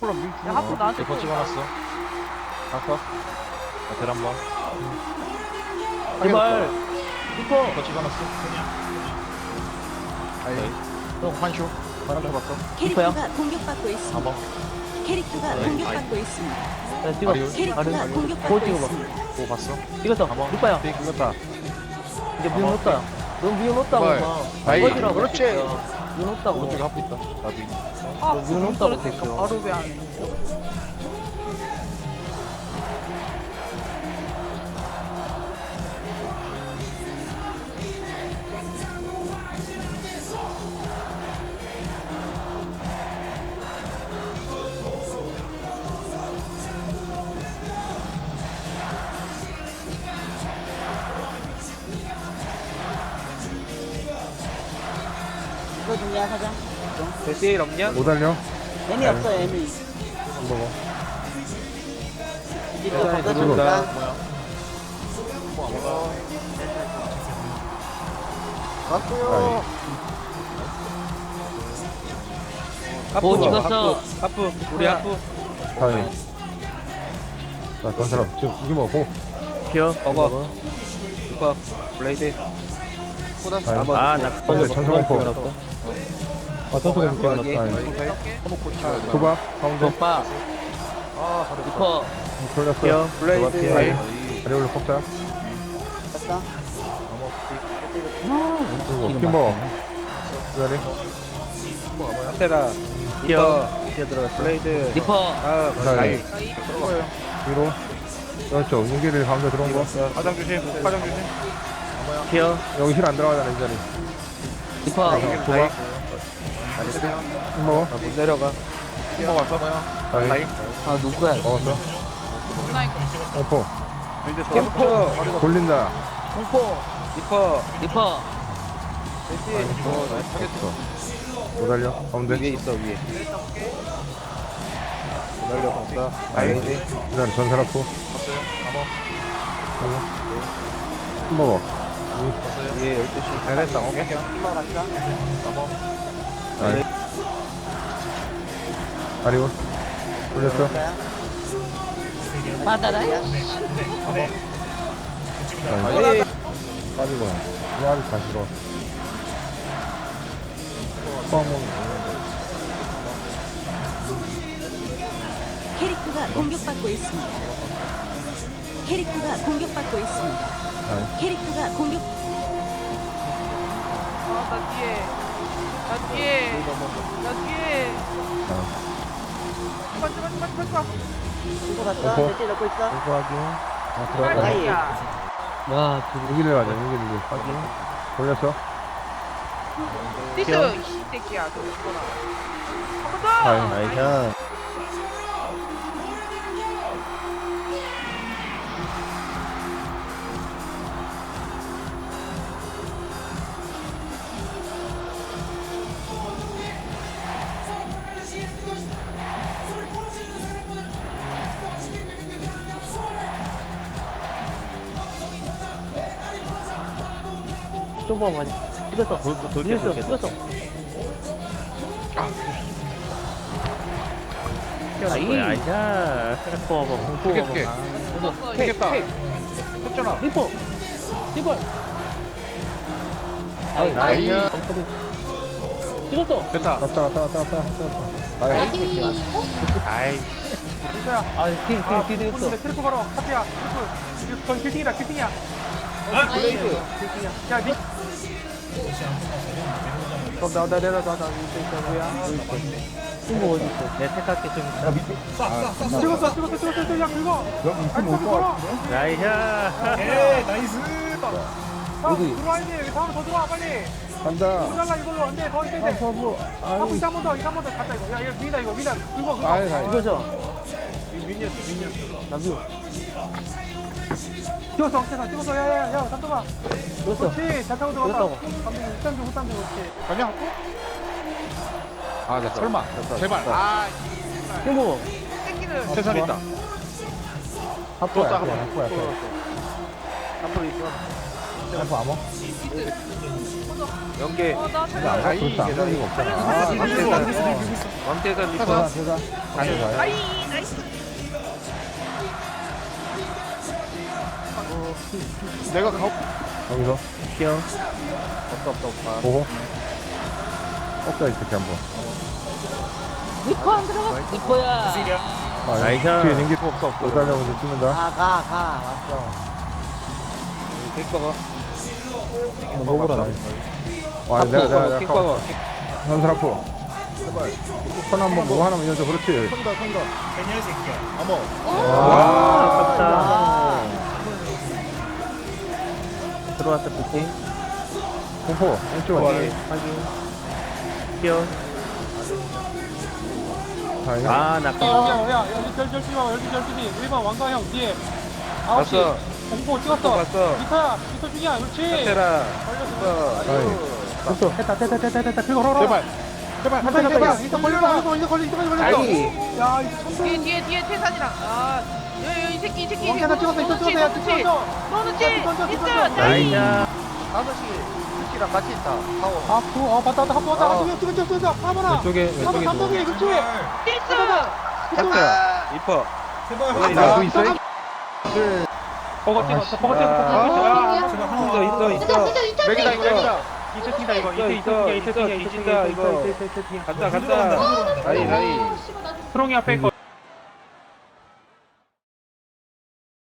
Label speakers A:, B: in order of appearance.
A: 야, 하프 나한테
B: 거 찍어놨어.
C: 갔어?
B: 델 한번.
D: 제발 리퍼
B: 거 찍어놨어.
C: 아이
B: 형 한쇼.
C: 바람 잡았어.
E: 캐릭터가 공격받고 있습니다.
B: 4번.
E: 캐릭터가
B: 네.
E: 공격받고 있습니다.
D: 네, 찍어
B: 아리오.
E: 캐릭터가
D: 아리오.
E: 공격받고
D: 볼 찍어봐.
E: 있습니다.
B: 뭐 봤어?
D: 찍었어
B: 가봐.
D: 리퍼야
C: 빅 굴렸다.
D: 이제 미운 놓다 넌 미운 놓다고
C: 제발.
D: 막
C: 아이,
D: 꺼지라고
C: 그렇지.
D: 미운 놓다고
B: 오른쪽에 하프 있다. 나비.
A: 아,
D: 너 미운 놓다고
A: 그러니까
D: 됐어
A: 바로 왜 안 해?
F: 이거든요 사장.
C: 데스일 없냐?
G: 못 달려?
F: 애미 없어요 애미.
G: 안 먹어.
F: 이거
C: 대단히
F: 바꿔주니까.
C: 갔고요.
D: 오, 찍었어.
C: 하프. 우리 하프.
G: 다행. 자, 그런 사람 지금 이기 먹고.
D: 기어
C: 먹어. 리퍼. 블레이드.
G: 다행.
D: 아나
G: 근데 천천공포. 아, 천천공포 하나
C: 여기.
G: 다행.
C: 오케이.
G: 두바, 가운데.
D: 오빠
C: 아, 바로
D: 리퍼
G: 돌렸어.
D: 기어
C: 블레이드.
G: 다행. 아리올로 뽑자.
F: 됐어.
G: 그리고 킴버. 기다리.
C: 테라.
D: 기어
C: 기어 들어갔어. 블레이드.
D: 리퍼
C: 아,
G: 다행.
C: 나이.
G: 위로. 그렇죠. 윤기를 가운데 들어온 거.
C: 화장 조심. 화장 조심.
D: 기어
G: 여기 힐 안 들어가잖아, 이 자리.
D: 리퍼
G: 두바. 킴버.
C: 못 내려가.
B: kim버 왔어?
G: 다행.
D: 아 누구야
G: 먹었어.
A: 누나 이거
G: 공포.
C: 캠프.
G: 돌린다.
D: 공포
C: 리퍼.
D: 리퍼
C: 데스일.
G: 못 달려. 가운데.
C: 위에 있어, 위에. 기다려, 간다. 아이.
G: 기다려. 전사라프. 킴버.
C: 위에 12시. 잘했다, 오케이.
F: 올라갔어.
G: 다행. 아리올. 돌렸어.
D: 받아라
G: 다행. 빠지고. 이거 다 싫어.
E: 캐릭터가 공격받고 있습니다. 캐릭터가 공격받고 있습니다. 캐릭터가 공격
A: 아, 나 뒤에. 나 뒤에. 나 뒤에. 맞지.
F: 이거 갔어.
G: 오퍼.
F: 대체 넣고 있어.
G: 공부하기. 들어갔다.
F: 아이.
D: 야
G: 여기를 가자, 여기를. 돌렸어.
A: 티슈, 이 새끼야. 저 이거나. 한번 더!
G: 다행.
D: 좀 많이 찍었어 찍었어 찍었어 아이 아이자 리퍼 공포
C: 크게.
A: 죽었어.
C: 되겠다. 했잖아.
D: 리퍼 리퍼
C: 나이.
D: 찍었어
C: 됐다.
G: 왔다.
C: 아이.
D: 아뒤 되겠어
H: 트리플 걸어 카트야 트리플 건 킬팅이다 킬팅이야
C: 블레이드.
H: 야 니. 나 뭐야
D: 친구 어디 있어 내 택할게 좀
H: 찍었어 야 긁어 아니 걸어
D: 나이샤
H: 형 들어와야 돼 여기 다음에 더 들어와 빨리
G: 간다.
H: 모자라 이걸로 안돼 더 있어 이제
G: 서부.
H: 하고 있어 한번 더 갔다 이거 야 이거 위다 긁어
G: 아이.
D: 이거죠 나도
H: 찍었어 억제사 찍었어 야야야 잠깐만
D: 찍었어
H: 그렇지 잘 타고 들어갔다
D: 찍었다고.
H: 감독님 후딴 좀 그렇지
C: 가냐? 아, 나 설마. 제발.
A: 아,
D: 친구
A: 이 새끼는.
C: 세살 있다.
G: 합포야.
C: 또
G: 합포야.
C: 앞으로 있어.
G: 템포 암호?
C: 연계.
A: 어나
G: 근데 안 가, 그렇지, 안 가는 이가 없잖아.
C: 왕대산 리퍼.
G: 대사. 아니, 가요.
A: 아이 나이스
B: 내가 가.
G: 여기서. 피어.
C: 없다.
G: 보고. 꺾여, 이 새끼 한 번.
F: 리퍼 안 들어가. 리퍼야.
G: 아,
C: 나이스.
G: 뒤에 넘길 거 없어. 못 달려오면서 찍는다.
F: 가. 왔어.
C: 킥버거.
G: 먹으라, 나이스. 와, 내가
C: 킥버거.
G: 전설 앞으로. 손 한번 뭐 하나만 이어져, 그렇지.
B: 선다. 어머.
D: 와, 아깝다.
F: 아.
D: 들어왔다, 부팅.
G: 공포, 왼쪽.
D: 확인. 뛰어.
G: 다행이야.
D: 아, 나
H: 야, 여기 열심히 봐, 여기 열심히. 1번 왕가형 뒤에. 9시.
C: 봤어.
H: 공포 찍었어.
C: 봤어.
H: 리터 중이야, 그렇지.
C: 테라.
H: 걸렸어.
G: 됐어.
H: 됐다. 그거 걸어.
B: 제발.
H: 이거 걸려. 야, 이거
A: 뒤에 태산이랑 아 이 새끼
H: 왕가형 찍었어. 야, 찍었어.
A: 너는
H: 던져.
A: 나이
D: 나이스.
C: 5시 랑 같이 있다. 파워.
H: 하프, 봤다. 하프 왔다. 찍어. 하모나.
G: 왼쪽에
H: 삼덕이, 그렇지.
A: 딜스
C: 탁자. 리퍼.
G: 나도 있어?
H: 버거
C: 있어. 맥이다 이거.
H: 이체 튕다 이거.
C: 있어. 뒤진다 이거. 간다. 나이.
H: 프롱이 앞에 있고